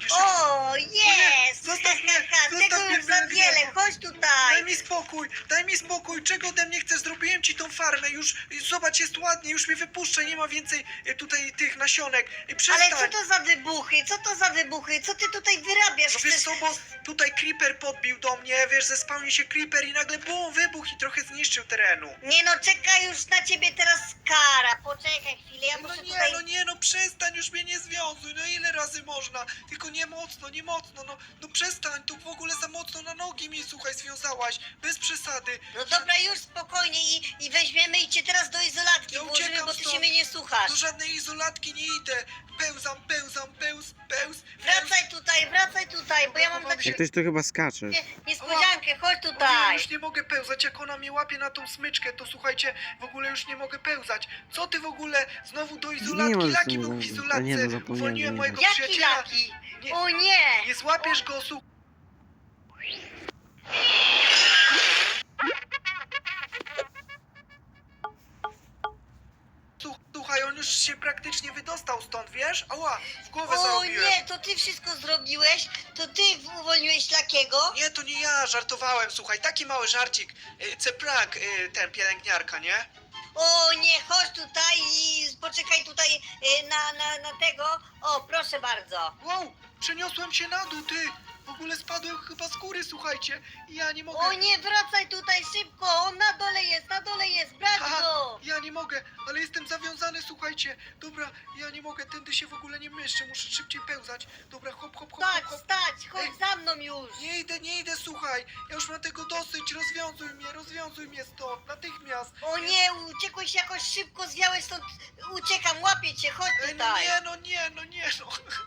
[SPEAKER 2] Jeszcze...
[SPEAKER 3] O, jest!
[SPEAKER 2] Zostaw mnie,
[SPEAKER 3] Tego
[SPEAKER 2] zostaw mnie,
[SPEAKER 3] już za
[SPEAKER 2] Blanka.
[SPEAKER 3] wiele, chodź
[SPEAKER 2] Daj
[SPEAKER 3] tutaj!
[SPEAKER 2] mi spokój, daj mi spokój, czego ode mnie chcesz? Zrobiłem ci tą farmę, już zobacz, jest ładnie, już mnie wypuszczę, nie ma więcej e, tutaj tych nasionek. E,
[SPEAKER 3] Ale
[SPEAKER 2] Przestań.
[SPEAKER 3] co to za wybuchy? Co to za wybuchy? Co ty tutaj wyrabiasz?
[SPEAKER 2] No wiesz
[SPEAKER 3] Chcesz...
[SPEAKER 2] co, bo tutaj creeper podbił do mnie, wiesz, zespałni się creeper i nagle bum, wybuch i trochę zniszczył terenu.
[SPEAKER 3] Nie no, czeka już na ciebie teraz kara. Poczekaj chwilę, ja
[SPEAKER 2] No
[SPEAKER 3] muszę
[SPEAKER 2] nie,
[SPEAKER 3] tutaj...
[SPEAKER 2] no nie, no przestań, już mnie nie związuj, no ile razy można? Tylko nie mocno, nie mocno, no, no przestań, tu w ogóle za mocno na nogi mi, słuchaj, związałaś, bez przesady.
[SPEAKER 3] No dobra, już spokojnie i, i weźmiemy i cię teraz do izolatki
[SPEAKER 2] Ja
[SPEAKER 3] włożymy,
[SPEAKER 2] uciekam
[SPEAKER 3] bo ty się
[SPEAKER 2] stąd.
[SPEAKER 3] mnie nie słuchasz.
[SPEAKER 2] Do żadnej izolatki nie idę, pełzam, pełzam, pełz, pełz, pełz.
[SPEAKER 3] Wracaj tutaj, wracaj tutaj, bo ja mam dla
[SPEAKER 1] Jak
[SPEAKER 3] ciebie
[SPEAKER 1] ktoś tu chyba skacze.
[SPEAKER 3] niespodziankę, chodź
[SPEAKER 2] O nie,
[SPEAKER 3] tutaj.
[SPEAKER 2] już nie mogę pełzać, jak ona mnie łapie na tą smyczkę, to słuchajcie, w ogóle już nie mogę pełzać. Co ty w ogóle, znowu do
[SPEAKER 1] Nie
[SPEAKER 2] izolatki,
[SPEAKER 1] możesz
[SPEAKER 2] Laki
[SPEAKER 1] tu
[SPEAKER 2] był w
[SPEAKER 1] za-
[SPEAKER 2] izolatce,
[SPEAKER 1] a nie, no zapomniałem,
[SPEAKER 2] uwolniłem
[SPEAKER 1] nie
[SPEAKER 2] mojego
[SPEAKER 3] Jaki
[SPEAKER 2] przyjaciela.
[SPEAKER 3] laki?
[SPEAKER 2] Nie,
[SPEAKER 3] O nie!
[SPEAKER 2] nie złapiesz go, słuchaj. Słuchaj, on już się praktycznie wydostał stąd, wiesz? Ała, w głowę
[SPEAKER 3] O
[SPEAKER 2] zarobiłem.
[SPEAKER 3] nie, to ty wszystko zrobiłeś? To ty uwolniłeś Lakiego?
[SPEAKER 2] Nie, to nie ja, żartowałem, słuchaj, taki mały żarcik. Y, Ceprank, y, ten pielęgniarka, nie?
[SPEAKER 3] O nie, chodź tutaj i poczekaj tutaj y, na, na, na tego. O, proszę bardzo.
[SPEAKER 2] Wow, przeniosłem się na dół, ty! W ogóle spadłem chyba z góry, słuchajcie. I ja nie mogę.
[SPEAKER 3] O nie, wracaj tutaj szybko, on na dole jest, na dole jest, brać
[SPEAKER 2] Aha,
[SPEAKER 3] go.
[SPEAKER 2] ja nie mogę, ale jestem zawiązany, słuchajcie. Dobra, ja nie mogę, tędy się w ogóle nie mieszczę, muszę szybciej pełzać. Dobra, hop, hop, hop,
[SPEAKER 3] Stać,
[SPEAKER 2] hop, hop.
[SPEAKER 3] stać, chodź za mną już.
[SPEAKER 2] Nie idę, nie idę, słuchaj. Ja już mam tego dosyć, rozwiązuj mnie, rozwiązuj mnie stąd, natychmiast.
[SPEAKER 3] O nie, uciekłeś jakoś szybko, zwiałeś stąd, uciekam, łapię cię, chodź
[SPEAKER 2] Ej, no
[SPEAKER 3] tutaj.
[SPEAKER 2] nie, no nie, no nie, no.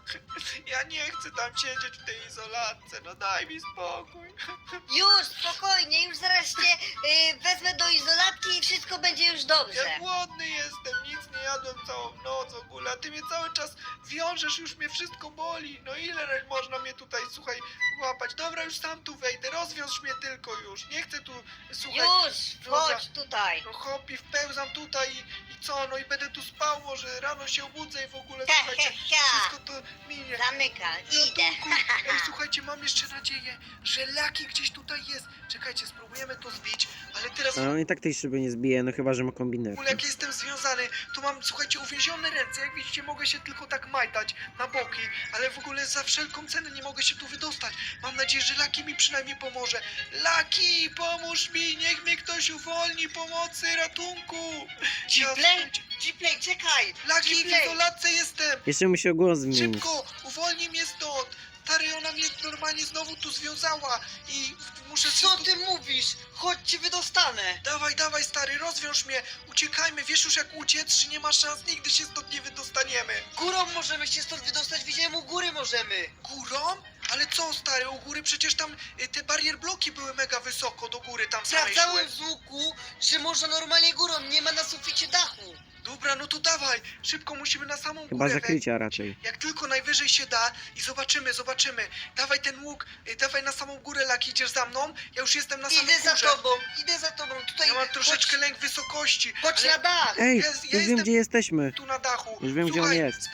[SPEAKER 2] Ja nie chcę tam siedzieć w tej izolatce, no daj mi spokój.
[SPEAKER 3] Już, spokojnie, już zaraz cię y, wezmę do izolatki i wszystko będzie już dobrze.
[SPEAKER 2] Ja głodny jestem, nic nie jadłem całą noc w ogóle, a ty mnie cały czas wiążesz, już mnie wszystko boli. No ile można mnie tutaj, słuchaj, łapać? Dobra, już sam tu wejdę, rozwiąż mnie tylko już. Nie chcę tu, słuchaj,
[SPEAKER 3] Już,
[SPEAKER 2] Dobra.
[SPEAKER 3] chodź tutaj.
[SPEAKER 2] no hop i wpełzam tutaj i, i co, no i będę tu spał, może rano się obudzę i w ogóle,
[SPEAKER 3] Ha,
[SPEAKER 2] słuchajcie,
[SPEAKER 3] ha, ha.
[SPEAKER 2] wszystko to minie.
[SPEAKER 3] Zamykam, idę.
[SPEAKER 2] Ratunku. Ej, słuchajcie, mam jeszcze nadzieję, że Laki gdzieś tutaj jest. Czekajcie, spróbujemy to zbić, ale teraz
[SPEAKER 1] Ale on i tak tej szyby nie zbije, no chyba, że ma
[SPEAKER 2] w
[SPEAKER 1] kombinę.
[SPEAKER 2] ogóle jak jestem związany, to mam, słuchajcie, uwięzione ręce. Jak widzicie, mogę się tylko tak majtać na boki, ale w ogóle za wszelką cenę nie mogę się tu wydostać. Mam nadzieję, że Laki mi przynajmniej pomoże. Laki, pomóż mi, niech mnie ktoś uwolni, pomocy, ratunku.
[SPEAKER 4] Gplay, Gplay, czekaj!
[SPEAKER 2] Laki, w
[SPEAKER 4] Gplay.
[SPEAKER 2] izolatce jestem.
[SPEAKER 1] Jeszcze musi głos zmienić.
[SPEAKER 2] Szybko, uwolnij mnie stąd. Stary, ona mnie normalnie znowu tu związała i muszę...
[SPEAKER 4] Co
[SPEAKER 2] wszystko-
[SPEAKER 4] ty mówisz? Chodź cię wydostanę!
[SPEAKER 2] Dawaj, dawaj, stary, rozwiąż mnie. Uciekajmy, wiesz już jak uciec, czy nie ma szans, nigdy się stąd nie wydostaniemy.
[SPEAKER 4] Górą możemy się stąd wydostać, widziałem u góry możemy!
[SPEAKER 2] Górą? Ale co, stary, u góry przecież tam y, te barier bloki były mega wysoko do góry, tam same
[SPEAKER 4] Sprawdzałem
[SPEAKER 2] szły.
[SPEAKER 4] z łuku, że można normalnie górą, nie ma na suficie dachu!
[SPEAKER 2] Dobra, no to dawaj, szybko musimy na samą
[SPEAKER 1] Chyba
[SPEAKER 2] górę
[SPEAKER 1] zakrycia raczej.
[SPEAKER 2] Jak tylko najwyżej się da i zobaczymy, zobaczymy. Dawaj ten łuk, y, dawaj na samą górę, Laki, idziesz za mną? Ja już jestem na samej
[SPEAKER 4] Idę za
[SPEAKER 2] górze.
[SPEAKER 4] tobą, idę za tobą, tutaj
[SPEAKER 2] Ja mam troszeczkę
[SPEAKER 4] chodź,
[SPEAKER 2] lęk wysokości.
[SPEAKER 4] chodź
[SPEAKER 2] ale
[SPEAKER 4] na dach!
[SPEAKER 1] Ej,
[SPEAKER 2] Ja- ja
[SPEAKER 1] już wiem,
[SPEAKER 2] jestem-
[SPEAKER 1] gdzie jesteśmy.
[SPEAKER 2] tu na dachu.
[SPEAKER 1] Już wiem, gdzie on
[SPEAKER 2] Słuchaj,
[SPEAKER 1] jest.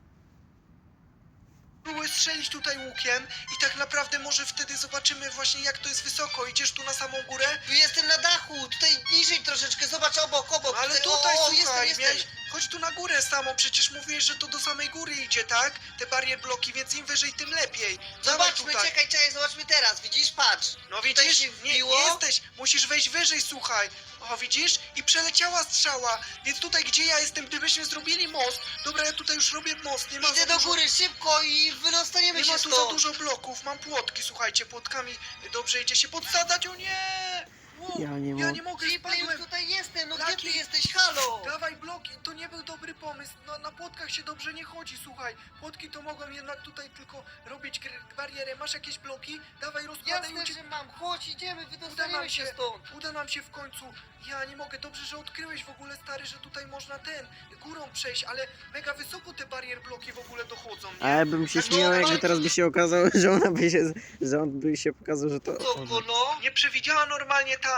[SPEAKER 2] Spróbuj strzelić tutaj łukiem i tak naprawdę może wtedy zobaczymy właśnie jak to jest wysoko. Idziesz tu na samą górę?
[SPEAKER 4] Tu jestem na dachu, tutaj niżej troszeczkę, zobacz obok, obok!
[SPEAKER 2] No ale
[SPEAKER 4] tutaj,
[SPEAKER 2] tutaj,
[SPEAKER 4] o, o,
[SPEAKER 2] słuchaj,
[SPEAKER 4] jestem,
[SPEAKER 2] miałeś,
[SPEAKER 4] jestem!
[SPEAKER 2] chodź tu na górę samo, przecież mówiłeś, że to do samej góry idzie, tak? Te barier bloki, więc im wyżej, tym lepiej. Dawaj
[SPEAKER 4] Zobaczmy,
[SPEAKER 2] tutaj.
[SPEAKER 4] czekaj, czekaj, zobaczmy teraz, widzisz, patrz!
[SPEAKER 2] No
[SPEAKER 4] Tutaj
[SPEAKER 2] widzisz,
[SPEAKER 4] się
[SPEAKER 2] nie,
[SPEAKER 4] wbiło.
[SPEAKER 2] nie jesteś, musisz wejść wyżej, słuchaj. O, widzisz? I przeleciała strzała, więc tutaj, gdzie ja jestem, gdybyśmy zrobili most, dobra, ja tutaj już robię most, nie ma
[SPEAKER 4] Idę
[SPEAKER 2] za
[SPEAKER 4] do
[SPEAKER 2] dużo...
[SPEAKER 4] góry, szybko i wydostaniemy
[SPEAKER 2] Nie
[SPEAKER 4] się
[SPEAKER 2] ma tu
[SPEAKER 4] stąd!
[SPEAKER 2] za dużo bloków, mam płotki, słuchajcie, płotkami dobrze idzie się podsadzać, o nie! Wow,
[SPEAKER 1] Ja nie
[SPEAKER 2] ja
[SPEAKER 1] mogę.
[SPEAKER 2] nie mogę,
[SPEAKER 4] Gplay, już
[SPEAKER 2] spadłem.
[SPEAKER 4] tutaj jestem, no gdzie
[SPEAKER 2] Laki.
[SPEAKER 4] ty jesteś, halo?
[SPEAKER 2] Dawaj bloki, to nie był dobry pomysł, no, na płotkach się dobrze nie chodzi, słuchaj. Płotki to mogą jednak tutaj tylko robić gr- barierę, masz jakieś bloki? Dawaj, rozkładaj,
[SPEAKER 4] Jasne,
[SPEAKER 2] uciek...
[SPEAKER 4] że mam, chodź, idziemy,
[SPEAKER 2] Uda nam
[SPEAKER 4] wydostaniemy się
[SPEAKER 2] się,
[SPEAKER 4] stąd!
[SPEAKER 2] uda nam się w końcu. Ja nie mogę, dobrze, że odkryłeś w ogóle, stary, że tutaj można ten, górą przejść, ale mega wysoko te barier bloki w ogóle dochodzą, nie?
[SPEAKER 1] A ja bym się
[SPEAKER 2] Tak,
[SPEAKER 1] śmiał,
[SPEAKER 2] no,
[SPEAKER 1] jakby
[SPEAKER 2] no,
[SPEAKER 1] teraz by się okazało, że ona by się, że on by się pokazał, że to...
[SPEAKER 4] Co, no?
[SPEAKER 2] Nie przewidziała normalnie ta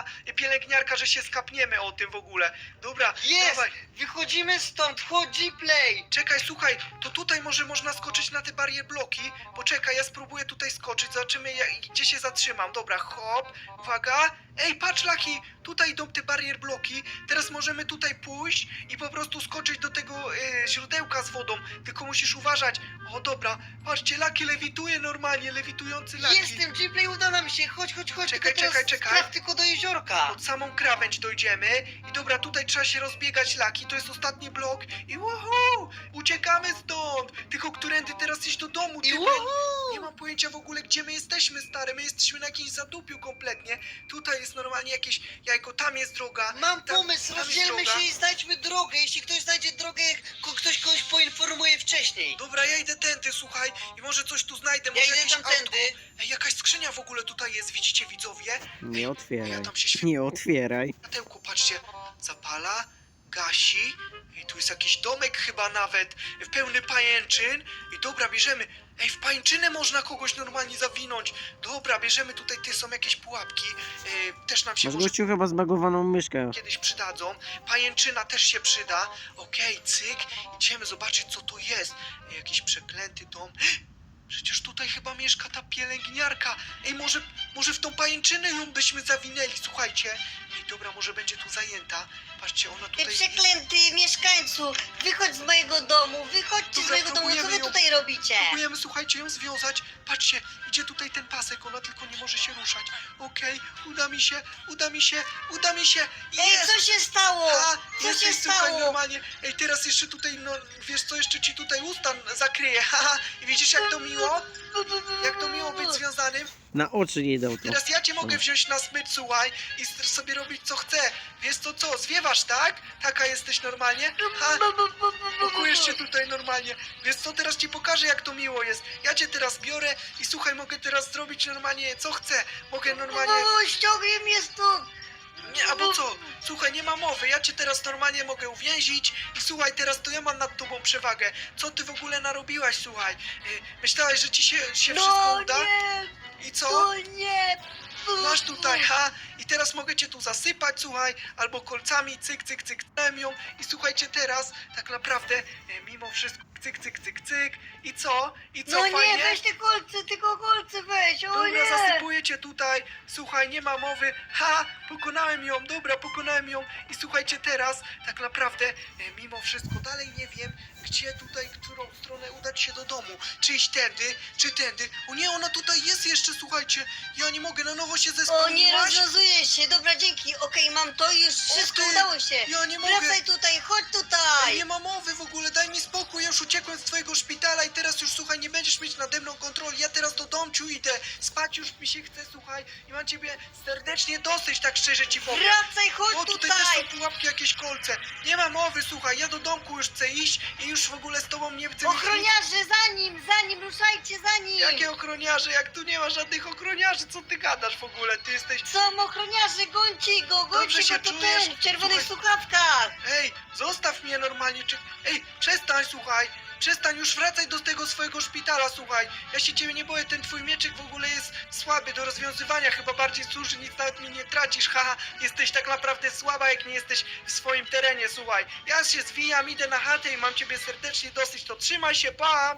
[SPEAKER 2] pana pielęgniarka, że się skapniemy o tym w ogóle. Dobra,
[SPEAKER 4] Jest!
[SPEAKER 2] dawaj.
[SPEAKER 4] Wychodzimy stąd, chodź G-Play!
[SPEAKER 2] Czekaj, słuchaj, to tutaj może można skoczyć na te barier bloki. Poczekaj, ja spróbuję tutaj skoczyć, zobaczymy jak, gdzie się zatrzymam. Dobra, hop, uwaga. Ej, patrz Laki, tutaj idą te barier bloki. Teraz możemy tutaj pójść i po prostu skoczyć do tego e, źródełka z wodą. Tylko musisz uważać. O, dobra, patrzcie, Laki lewituje normalnie, lewitujący Laki.
[SPEAKER 4] Jestem G-Play, uda nam się, chodź, chodź, chodź.
[SPEAKER 2] Czekaj,
[SPEAKER 4] tylko teraz
[SPEAKER 2] czekaj, czekaj.
[SPEAKER 4] Traf tylko do jeziorka.
[SPEAKER 2] Pod samą krawędź dojdziemy i dobra, tutaj trzeba się rozbiegać Laki, to jest ostatni blok i woohoo, uciekamy stąd, tylko którędy teraz iść do domu,
[SPEAKER 4] I
[SPEAKER 2] ty,
[SPEAKER 4] woohoo!
[SPEAKER 2] nie mam pojęcia w ogóle gdzie my jesteśmy stary, my jesteśmy na jakimś zadupiu kompletnie, tutaj jest normalnie jakieś jajko, tam jest droga,
[SPEAKER 4] Mam
[SPEAKER 2] tam-
[SPEAKER 4] pomysł,
[SPEAKER 2] tam jest
[SPEAKER 4] rozdzielmy
[SPEAKER 2] droga.
[SPEAKER 4] się i znajdźmy drogę. Jeśli ktoś znajdzie drogę, ko- ktoś kogoś poinformuje wcześniej.
[SPEAKER 2] Dobra, ja idę tędy, słuchaj, i może coś tu znajdę,
[SPEAKER 4] Ja
[SPEAKER 2] może
[SPEAKER 4] idę
[SPEAKER 2] jakieś
[SPEAKER 4] tamtędy.
[SPEAKER 2] autko. Ej, jakaś skrzynia w ogóle tutaj jest, widzicie widzowie?
[SPEAKER 1] Nie otwieraj.
[SPEAKER 2] Ja tam się świetnie
[SPEAKER 1] Nie otwieraj.
[SPEAKER 2] światełko, patrzcie, zapala, gasi i tu jest jakiś domek chyba nawet, pełny pajęczyn i dobra, bierzemy, ej, w pajęczynę można kogoś normalnie zawinąć, dobra, bierzemy tutaj, te są jakieś pułapki, e, też nam się
[SPEAKER 1] Masz
[SPEAKER 2] może
[SPEAKER 1] gościu chyba zbagowaną myszkę.
[SPEAKER 2] kiedyś przydadzą, pajęczyna też się przyda, okej, cyk, idziemy zobaczyć co to jest, ej, jakiś przeklęty dom, przecież tutaj chyba mieszka ta pielęgniarka. Ej, może, może w tą pajęczynę ją byśmy zawinęli, słuchajcie. Ej, dobra, może będzie tu zajęta. Patrzcie, ona
[SPEAKER 3] Ty
[SPEAKER 2] tutaj...
[SPEAKER 3] przeklęty mieszkańcu, wychodź z mojego domu, wychodźcie
[SPEAKER 2] Dobra,
[SPEAKER 3] z mojego domu, co
[SPEAKER 2] próbujemy
[SPEAKER 3] wy
[SPEAKER 2] ją-
[SPEAKER 3] tutaj robicie?
[SPEAKER 2] Próbujemy, słuchajcie, ją związać. Patrzcie, idzie tutaj ten pasek, ona tylko nie może się ruszać. Okej, uda mi się, uda mi się, uda mi się.
[SPEAKER 3] Ej,
[SPEAKER 2] Jest!
[SPEAKER 3] co się stało?
[SPEAKER 2] A,
[SPEAKER 3] Co
[SPEAKER 2] jesteś,
[SPEAKER 3] się
[SPEAKER 2] słuchaj,
[SPEAKER 3] stało?
[SPEAKER 2] normalnie. Ej, teraz jeszcze tutaj, no, wiesz co, jeszcze ci tutaj usta zakryje, haha. I widzisz, jak to miło? Jak to miło być związanym?
[SPEAKER 1] Na oczy nie dał to.
[SPEAKER 2] Teraz ja cię mogę wziąć na smycz, słuchaj, i s- sobie robić co chcę. Wiesz co, co, zwiewasz, tak? Taka jesteś normalnie? Ha, pokujesz się tutaj normalnie. Wiesz co, teraz ci pokażę, jak to miło jest. Ja cię teraz biorę i słuchaj, mogę teraz zrobić normalnie co chcę. Mogę normalnie...
[SPEAKER 3] O, ściągnij mnie stąd!
[SPEAKER 2] Nie, albo co? Słuchaj, nie ma mowy, ja cię teraz normalnie mogę uwięzić i słuchaj, teraz to ja mam nad tobą przewagę. Co ty w ogóle narobiłaś, słuchaj? Y, Myślałaś, że ci się, się wszystko
[SPEAKER 3] No
[SPEAKER 2] uda?
[SPEAKER 3] nie,
[SPEAKER 2] I co?
[SPEAKER 3] no nie!
[SPEAKER 2] Masz tutaj, ha? I teraz mogę cię tu zasypać, słuchaj, albo kolcami, cyk, cyk, cyk, ją. I słuchajcie, teraz tak naprawdę, e, mimo wszystko, cyk, cyk, cyk, cyk. I co? I co,
[SPEAKER 3] No nie,
[SPEAKER 2] fajnie?
[SPEAKER 3] weź te kolce, tylko kolce weź, o
[SPEAKER 2] Dobra,
[SPEAKER 3] nie!
[SPEAKER 2] zasypuję cię tutaj. Słuchaj, nie ma mowy. Ha! Pokonałem ją, dobra, pokonałem ją. I słuchajcie, teraz tak naprawdę, e, mimo wszystko, dalej nie wiem, gdzie tutaj, którą stronę udać się do domu. Czy iść tędy, czy tędy. O nie, ona tutaj jest jeszcze, słuchajcie. Ja nie mogę, na nowo się
[SPEAKER 3] O nie,
[SPEAKER 2] zespełniłaś.
[SPEAKER 3] rozwiązuje się, dobra, dzięki, okej, mam to i już wszystko
[SPEAKER 2] ty,
[SPEAKER 3] udało się.
[SPEAKER 2] Ja nie mogę.
[SPEAKER 3] Wracaj tutaj, chodź
[SPEAKER 2] Ej,
[SPEAKER 3] tutaj!
[SPEAKER 2] nie ma mowy w ogóle, daj mi spokój, ja już uciekłem z twojego szpitala i teraz już, słuchaj, nie będziesz mieć nade mną kontroli, ja teraz do domciu idę, spać już mi się chce, słuchaj, i mam ciebie serdecznie dosyć, tak szczerze ci powiem.
[SPEAKER 3] Wracaj, chodź
[SPEAKER 2] O, tutaj też
[SPEAKER 3] tutaj!
[SPEAKER 2] są pułapki, jakieś kolce, nie ma mowy, słuchaj, ja do domku już chcę iść i już w ogóle z tobą nie chcę mieć nic.
[SPEAKER 3] Ochroniarze, za nim, za nim, ruszajcie za nim!
[SPEAKER 2] Jakie ochroniarze, jak tu nie ma żadnych ochroniarzy, co ty gadasz w ogóle, ty jesteś...
[SPEAKER 3] Są ochroniarze, gońcie go,
[SPEAKER 2] Dobrze
[SPEAKER 3] gońcie
[SPEAKER 2] się
[SPEAKER 3] go, to
[SPEAKER 2] czujesz?
[SPEAKER 3] ten, w czerwonych
[SPEAKER 2] Słuchaj.
[SPEAKER 3] słuchawkach!
[SPEAKER 2] Ej, zostaw mnie normalnie, czy... Ej, przestań, słuchaj, przestań, już wracaj do tego swojego szpitala, słuchaj. Ja się ciebie nie boję, ten twój mieczyk w ogóle jest słaby do rozwiązywania, chyba bardziej służy, nic nawet mi nie tracisz, haha. Jesteś tak naprawdę słaba, jak nie jesteś w swoim terenie, słuchaj. Ja się zwijam, idę na chatę i mam ciebie serdecznie dosyć, to trzymaj się, pa!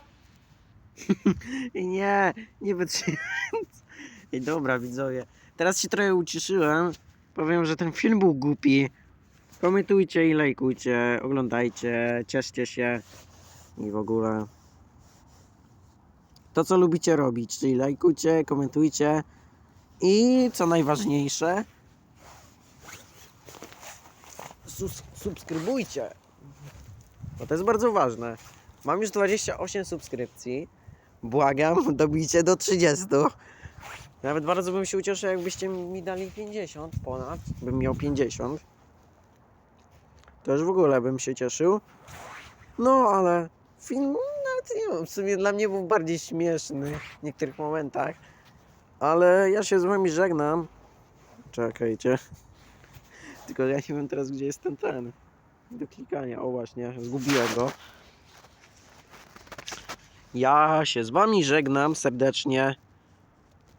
[SPEAKER 1] Nie, nie wytrzymam. Ej, dobra, widzowie. Teraz się trochę uciszyłem. Powiem, że ten film był głupi. Komentujcie i lajkujcie, oglądajcie, cieszcie się i w ogóle. To, co lubicie robić, czyli lajkujcie, komentujcie i co najważniejsze, sus- subskrybujcie. Bo to jest bardzo ważne. Mam już dwadzieścia osiem subskrypcji. Błagam, dobijcie do trzydziestu. Nawet bardzo bym się ucieszył, jakbyście mi dali pięćdziesiąt ponad. Bym miał pięćdziesiąt. To już w ogóle bym się cieszył. No, ale film nawet nie wiem, w sumie dla mnie był bardziej śmieszny w niektórych momentach. Ale ja się z wami żegnam. Czekajcie. Tylko ja nie wiem teraz, gdzie jest ten ten. Do klikania. O właśnie, zgubiłem go. Ja się z wami żegnam serdecznie.